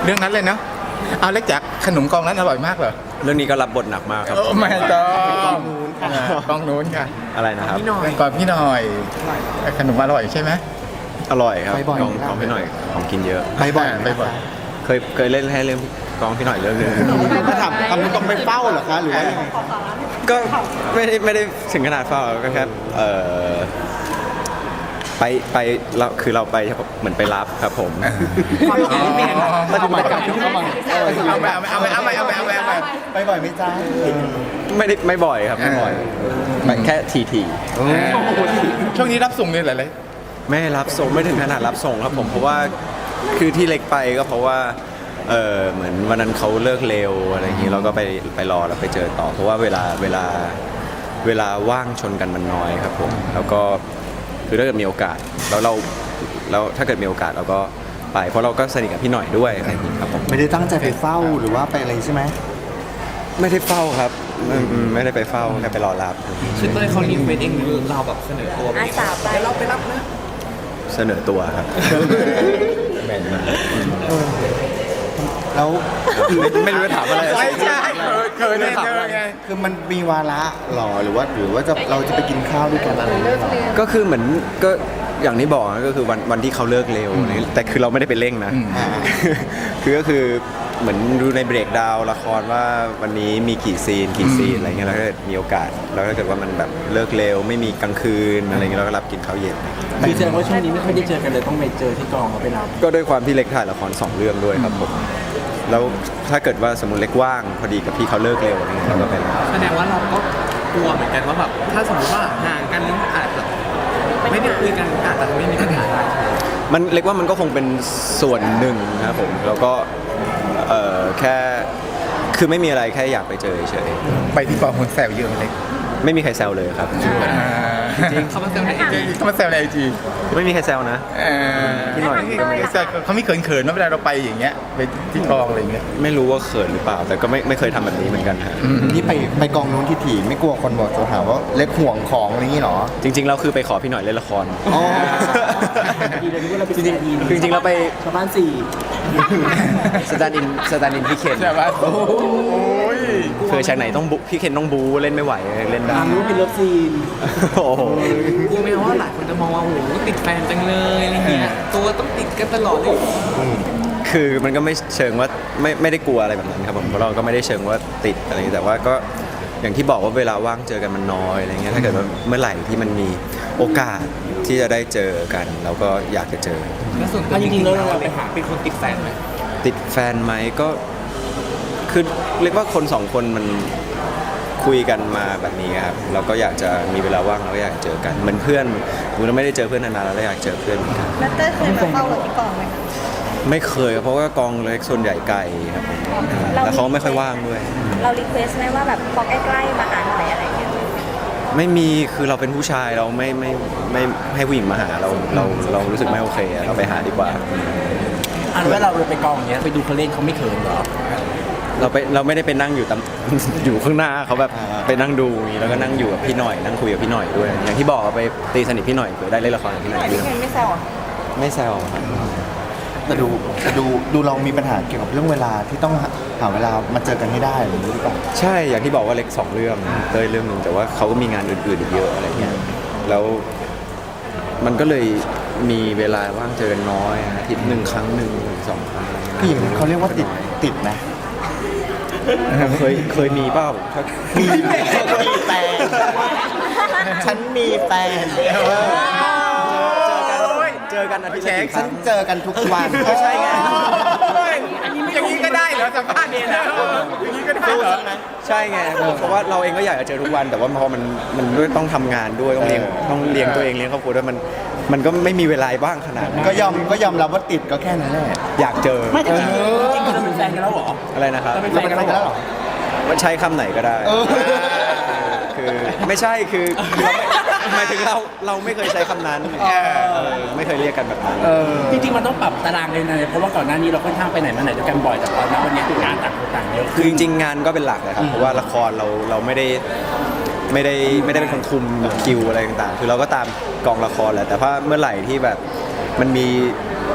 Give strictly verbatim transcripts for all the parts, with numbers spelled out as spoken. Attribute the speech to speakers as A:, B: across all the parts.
A: รื่องนั้นเลยเนาะเอาเล็กจากขนมกองนั้นอร่อยมากเหรอ
B: เรื่องนี้ก็รับบทหนักมากครับ
A: โอ้ไม่ต้องกองนู้นค่ะ
B: อะไรนะครับ
A: เป็นกองพี่หน่อยขนมอร่อยใช่ไหม
B: อร่อยครับ
C: ไปบ่อย
B: กองกองพี่หน่อยของกินเยอะ
C: ไปบ่อย
A: ไปบ่อย
B: เคยเคยเล่นให้เรื่องกองพี่หน่อยเรื่องนึง
C: มาถามทำต้องไปเฝ้าเหรอคะหรือว่ายังไง
B: ก็ไม่ได้ไม่ได้ถึงขนาดเฝ้าก็แค่เออไปไปเราคือเราไปเหมือนไปรับครับผม
A: ความคิดเปลี่ยน
C: ปฏิบัติการที่เข้ามา
A: เอาไปเอาไปเอาไปเอาไปเอาไปเอาไป
C: ไปบ่อยไหมจ้า
B: ไม่ได้ไม่บ่อยครับไม่บ่อยไปแค่ทีที
A: ช่วงนี้รับส่งเลยเหรอเลย
B: ไม่รับส่งไม่ถึงขนาดรับส่งครับผมเพราะว่าคือที่เล็กไปก็เพราะว่าเออเหมือนวันนั้นเขาเลิกเร็วอะไรอย่างนี้เราก็ไปไปรอแล้วไปเจอต่อ เพราะว่าเวลาเวลาเวลาว่างชนกันมันน้อยครับผมแล้วก็คือถ้าเกิดมีโอกาสแล้วเราแล้วถ้าเกิดมีโอกาสเราก็ไปเพราะเราก็สนิทกับพี่หน่อยด้วยอะไรอย่างนี้ครับผม
C: ไม่ได้ตั้งใจไปเฝ้าหรือว่าไปอะไรใช่ไหม
B: ไม่ได้เฝ้าครับอืมอืมไม่ได้ไปเฝ้าแค่ไปรอรับ
D: คือเต้ยเขารีเควสเองหรือเราแบบเสนอตัวไป
E: อาสาไป
D: เดี๋ยวเราไปรับนะ
B: เสนอตัวครับ
A: แมนมาก
C: แล้ว
B: ไม่ไม่รู้จะถามอะไร
A: ไม่ใช่เคยได้เจอไง
C: คือมันมีวาระหรอหรือว่าหรือว่าจะเราจะไปกินข้าวด้วยกันอะไรอย่างเงี้ยหรอ
B: ก็คือเหมือนก็อย่างที่บอกนะก็คือวันวันที่เขาเลิกเร็วอะไรแต่คือเราไม่ได้ไปเร่งนะ
C: อ่า
B: คือก็คือเหมือนดูในเบรกดาวน์ละครว่าวันนี้มีกี่ซีนกี่ซีนอะไรเงี้ยแล้วก็มีโอกาสแล้วถ้าเกิดว่ามันแบบเลิกเร็วไม่มีกลางคืนอะไรเงี้ยเราก็รับกินข้าวเย็น
D: คือแสดงว่าช่วงนี้ไม่ค่อยได้เจอกันเลยต้องไปเจอที่กองเขาไปรับ
B: ก็ด้วยความที่เล็กถ่ายละครสองเรื่องด้วยครับผมแล้วถ้าเกิดว่าสมมติเล็กว่างพอดีกับพี่เขาเลิกเร็วอะไรเงี้ยเราก็ไปรับ
D: แสดงว่าเราก็กลัวเหมือนกันว่าแบบถ้าสมมติว่าห่างกันนึงอาจจะไม่ได้คุยกันอาจจะไม่มีปัญหาได้
B: มันเล็กว่ามันก็คงเป็นส่วนหนึ่งนะครับผมแล้วก็เอ่อแค่คือไม่มีอะไรแค่อยากไปเจอเฉย
A: ไปที่กองคนแซวเยอะเลย
B: ๆไม่มีใครแซวเลยครับ
A: จริง
D: เขามาเซลล์ในเอ
A: เขามาแซวในไอจี
B: ไม่มีใครแซวนะ พี่หน่อย
A: เขาไม่เขินๆนะเวลาเราไปอย่างเงี้ยไปที่กองอะไรอย่างเงี้ย
B: ไม่รู้ว่าเขินหรือเปล่า แต่ก็ไม่ไม่เคยทำแบบนี้เหมือนกันฮะ
C: ที่ไปไปกองนู้นที่ถี่ไม่กลัวคนบอกจะหาว่าเล็กห่วงของอะไรอย่างงี้หรอ
B: จริงๆเราคือไปขอพี่หน่อยเล่นละคร
C: อ๋อ
B: จริงๆคือจริงๆเราไป
D: ชาวบ้านสี่
B: สแตนด์อินสแตนด์อินพี่เคน
A: ใช่ปะโอ้ย
B: คือฉากไหนต้องบุพี่เคนต้องบูเล่นไม่ไหวเล่นได้
D: ทางรู้เป็นเลิฟซีน
B: โอ้โห
D: กลัวไหมว่าหลายคนจะมองว่าโอ้โหติดแฟนจังเลยอะไรเงี้ยตัวต้องติดกันตลอดเลย
B: คือมันก็ไม่เชิงว่าไม่ไม่ได้กลัวอะไรแบบนั้นครับผมเพราะเราก็ไม่ได้เชิงว่าติดอะไรอย่างนี้แต่ว่าก็อย่างที่บอกว่าเวลาว่างเจอกันมันน้อยอะไรเงี้ยถ้าเกิดว่าเมื่อไหร่ที่มันมีโอกาสที่จะได้เจอกัน เราก็อยากจะเจอ
D: แล้วส่วนตัวจริงๆแล้วเราไปหาเป็นคนติดแฟนไหม
B: ติดแฟนไหมก็คือเรียกว่าคนสองคนมันคุยกันมาแบบนี้ครับเราก็อยากจะมีเวลาว่างเราก็อยากเจอกันเหมือนเพื่อนเราไม่ได้เจอเพื่อนนานๆแล้วเราอยากเจอเพื่อนเหมือนกัน
E: แล้วเต้ยเคยมาเฝ้าเราที่กองไหมคะ
B: ไม่เคยครับเพราะว่ากองเล็กส่วนใหญ่ไกลครับผมแล้วเขาไม่ค่อยว่างด้วย
E: เรารีเควสไหมว่าแบบพอใกล้ๆมาหาหน่อยอะไรเงี้ย
B: ไม่มีคือเราเป็นผู้ชายเราไม่ไม่ไม่ไม่ให้ผู้หญิงมาหาเราเราเรารู้สึกไม่โอเคอะเราไปหาดีกว่า
D: อันว่าเราไปกองอย่างเงี้ยไปดูเขาเล่นเขาไม่เขินเหรอ
B: เราไปเราไม่ได้ไปนั่งอยู่ตาม อยู่ข้างหน้าเขาแบบไปนั่งดูอย่างนี้แล้วก็นั่งอยู่กับพี่หน่อยนั่งคุยกับพี่หน่อยด้วย อย่างที่บอกไปตีสนิทพี่หน่อยเผื่อได้เล่นละครกับพี่หน่อยด้วย
E: พี่เคนไม่แซวเหรอ
B: ไม่แซวครับ
C: แต่ดูแต่ดูดูเรามีปัญหาเกี่ยวกับเรื่องเวลาที่ต้องหาเวลามาเจอกันให้ได้หรือเปล่า
B: ใช่อย่างที่บอกว่าเล็กสองเรื่องเต้ยเรื่องหนึ่งแต่ว่าเขาก็มีงานอื่นๆอีกเยอะอะไรเงี้ยแล้วมันก็เลยมีเวลาว่างเจอกันน้อยอาทิตย์หนึ่งครั้งหนึ่งถึงสองครั้งอะไรงี้ย
C: ผู้หญิงเขาเรียกว่าติดติดนะ
B: เคยเคยมีเปล่าถ้า
C: มีมีแฟนฉันมีแฟน
B: เจอกันอาทิตย์ละกี่ค
C: ฉั
B: รั้
C: น
B: ง
C: เจอกันทุกวัน
B: ก็ใช่ไง
A: อย่างนี้ก็ได้เหรอสัมภาษณ์เนี่ยนะอย่างนี้ก็ได้เหรอ
B: ใช่ไงเพราะว่าเราเองก็อยากจะเจอทุกวันแต่ว่าพอมันมันด้วยต้องทำงานด้วยต้องเลี้ยงต้องเลี้ยงตัวเองเลี้ยงครอบครัวด้วยมันมันก็ไม่มีเวลาบ้างขนาดนั้น
C: ก็ยอมก็ยอมรับว่าติดก็แค่นั้นแหละ
B: อยากเจอ
D: ไม่แต่จริงๆจริงๆเราเป็นแฟนกันแล้วเหรอ
B: อะไรนะครับ
D: เราเป็นแฟนกันแล้วเหรอ
B: ว่าใช้คำไหนก็ได้
C: เออ
B: คือไม่ใช่คือคือเราไม่หมายถึงเราเราไม่เคยใช้คำนั้นเออไม่เคยเรียกกันแบบนั้น
D: จริงๆมันต้องปรับตารางเลยนะเพราะว่าก่อนหน้านี้เราค่อนข้างไปไหนมาไหนด้วยกันบ่อยแต่ตอนนี้วันนี้คืองานต่างคนต่างเยอะ
B: คือจริงๆงานก็เป็นหลักเลยครับเพราะว่าละครเราเราไม่ได้ไม่ได้ไม่ได้เป็นคนคุมคิวอะไรต่างๆ คือเราก็ตามกองละครแหละแต่ว่าเมื่อไหร่ที่แบบมันมี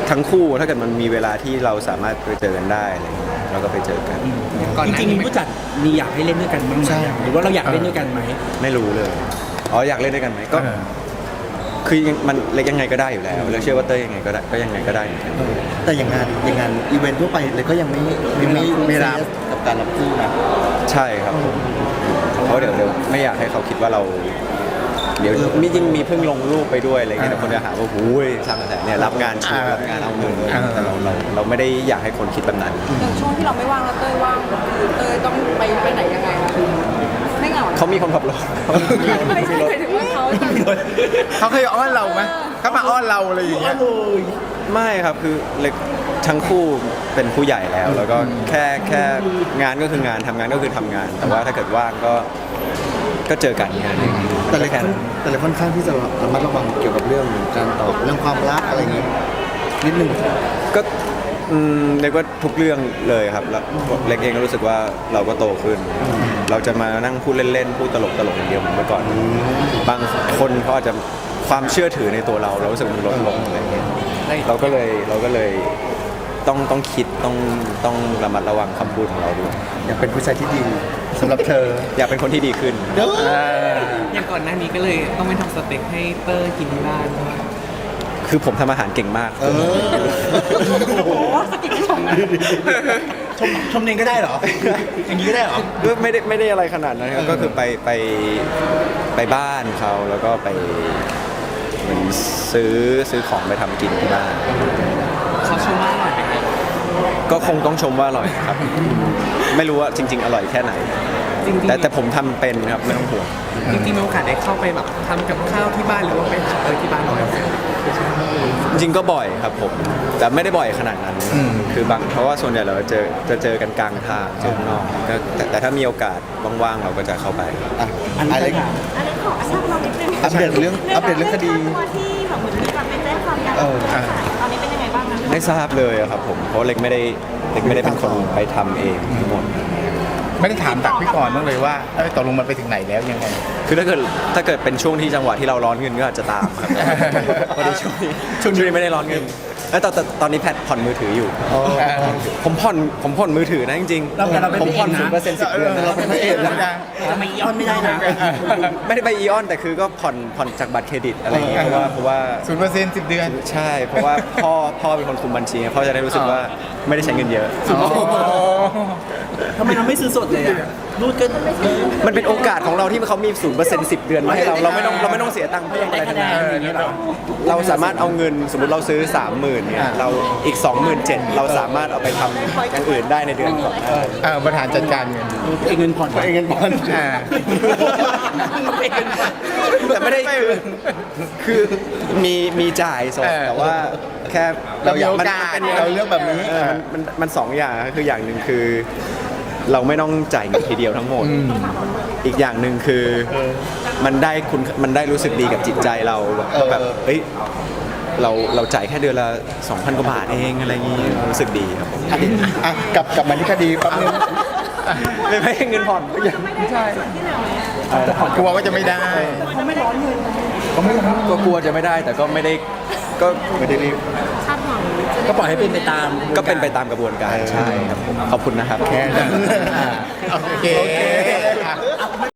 B: ทั้งคู่ถ้าเกิดมันมีเวลาที่เราสามารถไปเจอกันได้อะไรเงี้ยเราก็ไปเจอกัน
D: ก่อนห
F: จ
D: น้า
F: ริง
D: นี้
F: ๆผู้จัดมีอยากให้เล่นด้วยกันบ้างไหมหรือว่าเราอยากเล่นด้วยกันไหม
B: ไม่รู้เลยอ๋ออยากเล่นด้วยกันไหมก็
A: เออ
B: คือยังมันเล็กยังไงก็ได้อยู่แล้วแล้วเชื่อว่าเต้ยยังไงก็ได้ก็ยังไงก็ได้เหมือนกัน
C: แต่อย่างงานอย่างงานอีเวนต์ทั่วไปเลยก็ยังไม่ไม่ไม่ไม่รับกับการรับคู่นะ
B: ใช่ครับผมเพราะเดี๋ยวเดี๋ยวไม่อยากให้เขาคิดว่าเรา เดี๋ยวมีจริงมีเพิ่งลงรูปไปด้วยอะไรเงี้ยแต่คนจะหาว่าหูยสร้างกระแสเนี่ยรับงานชุดรับงานเอาเงินแต่เราเราเราไม่ได้อยากให้คนคิดแบบนั้น
E: อย่างช่วงที่เราไม่ว่างแล้วเต้ยว่างคือเต้ยต้องไปไปไหนยังไงคะไม่เหงา
B: เขามีคนขับรถ
E: ไม่ใช่หมายถึงว่าเขาจะ
A: เขาเคยอ้อนเราไหมเขามาอ้อนเราอะไรอย่างเงี้ย
B: ไม่ครับคือเล็กทั้งคู่เป็นผู้ใหญ่แล้ว แล้วก็แค่แค่งานก็คืองานทำงานก็คือทำงาน แต่ว่าถ้าเกิดว่างก็ก็เจอกันแค่นั้นเอง
C: แต่เลย
B: แค่นั้น
C: แต่เลยค่อนข้างที่จะระมัดระวังเกี่ยวกับเรื่องการตอบเรื่องความรักอะไรอย่างงี้นิดนึง
B: ก็อืมเรียกว่าทุกเรื่องเลยครับแล้วเล็กเองก็รู้สึกว่าเราก็โตขึ้น เราจะมานั่งพูดเล่นๆพูดตลกตลกอย่างเดียวเหมือนเมื่อก่อน บางคนเขาอาจจะความเชื่อถือในตัวเรา เรารู้สึกมันลดลงอะไรอย่างเงี้ยเราก็เลยเราก็เลยต้องต้องคิดต้องต้องระมัดระวังคำพูดของเราด้วย
C: อยากเป็นผู้ชายที่ดีสำหรับเธอ
B: อยากเป็นคนที่ดีขึ้น
D: อย่างก่อนหน้านี้ก็เลยต้องไปทำสเต็กให้เตอร์กินที่บ้าน
B: คือผมทำอาหารเก่งมาก
C: เออ
E: โอ้โหสกิดชม
F: ชมชมเองก็ได้เหรอ อย่างนี้ก็ได้เหรอ
B: ก็ไม่ได้ไม่ได้อะไรขนาดนั้นครับก็คือไปไปไปบ้านเขาแล้วก็ไปเหมือนซื้อซื้อของไปทำกินที่บ้าน
D: เขาชมว่าอร่อยไหมครับ
B: ก็คงต้องชมว่าอร่อยครับ ไม่รู้ว่าจริง ๆ อร่อยแค่ไหน
D: จริงๆ
B: แต่แต่ผมทำเป็นครับไม่ต้องห่วง
D: จริงๆมีโอกาสได้เข้าไปแบบทำกับข้าวที่บ้านหรือว่าไปหาเตอร์ที่บ้านหน่อย
B: จริงๆก็บ่อยครับผมแต่ไม่ได้บ่อยขนาดนั้น คือบางเพราะว่าส่วนใหญ่เราจะเจอจะเจอกันกลางทางเจอข้างนอกก็แต่แต่ถ้ามีโอกาสว่างๆเราก็จะเข้าไป
C: อ่ะ
F: อันนี้
C: อะไร
F: ก็ถาม
E: อันนี้ขอทราบเรานิดนึง
C: อัปเดตเรื่องอัปเดตเรื่องคดี
E: ตัวที่แบบเหมือนมีการไปแจ้งความกัน
C: เออ
E: ตอนนี้เป็นยังไงบ้างนะ
B: ไม่ทราบเลยอะครับผมเพราะเล็กไม่ได้เล็กไม่ได้เป็นคนไปทำเองทั้งหมด
A: ไม่ได้ถามตักพี่ก่อนบ้างเลยว่าเอ้ยตกลงมันไปถึงไหนแล้วยังไง
B: คือถ้าเกิดถ้าเกิดเป็นช่วงที่จังหวะที่เราร้อนเงินก็อาจจะตามครับพอดีช่วงนี้ช่วงนี้ไม่ได้ร้อนเงินเอ้ยแต่แต่ตอนนี้แพทผ่อนมือถืออยู่ ผมผ่อนผมผ่อนมือถือนะจริง
F: เราแต่เราเป็น
B: ผมผ่อน
F: พระเอกนะ
B: ศูนย์เปอร์เซ็นต์สิบเดือนนะ
A: เราเป็นพระเอกนะ
F: จะไม่ย้อนไม่ได้นะ
B: ไม่ได้ไปอีออนแต่คือก็ผ่อนผ่อนจากบัตรเครดิตอะไรอย่างเงี้ยเพราะว่าเพราะว่า
A: ศูนย์เปอร์เซ็นต์สิบเดือน
B: ใช่ เพราะว่าพ่อพ่อเป็นคนคุมบัญชีพ่อจะได้รู้สึกว่าไม่ได้ใช้เงินเยอะ
F: ทำไมเราไม่ซื้อสดเลยอ่ะรูดก็เออ
B: มันเป็นโอกาสของเราที่เขามีศูนย์เปอร์เซ็นต์สิบเดือนมาให้เราเราไม่ต้องเราไม่ต้องเสียตังค์เพิ่มอะไรทั้งนั้น
F: ได้คะแนนอย่างเงี้ยเหรอ
B: เราสามารถเอาเงินสมมติเราซื้อ สามหมื่นเนี่ยเราอีก สองหมื่นเจ็ดพัน เราสามารถเอาไปทำอย่างอื่นได้ในเดือนก่อน
A: เออบริหารจัดการเงิน
F: เองเงินผ่อน
C: เองเงินผ่อน
A: อ่า
F: เองเงินผ่อน
B: แต่ไม่ได้คือคือมีมีจ่ายสด
A: เออ
B: แต่ว่าแค่
A: เรามีโอ
B: มัน
A: กาส
B: มัน
A: เราเลือกแบบนี้
B: เออมันมันมันสองอย่างคืออย่างหนึ่งคือ เราไม่ต้องจ่ายเงินทีเดียวทั้งหมด อีกอย่างหนึ่งคือมันได้คุณมันได้รู้สึกดีกับจิตใจเราแบบแบบเฮ้ยเราเราจ่ายแค่เดือนละสองพันกว่าบาทเองอะไรอย่างงี้รู้สึกดีครับผม
C: อ่ะกลับกลับมาที่คดีแป๊บนึง
B: ไม่ไม่ให้เงินผ่อนก็ยัง
E: ไม่ได้ส่วนที่เหลือไหมอะ
A: กลัวว่าจะไม่ได้
E: เขาไม่ร้อนเงิน
B: ก็กลัวจะไม่ได้แต่ก็ไม่ได้ก็ไม่ได้รีบ
E: คาดหวัง
F: ก็ปล่อยให้เป็นไปตาม
B: ก็เป็นไปตามกระบวนการใช่ครับผมขอบคุณนะครับ
C: แค่นั้น
A: โอเค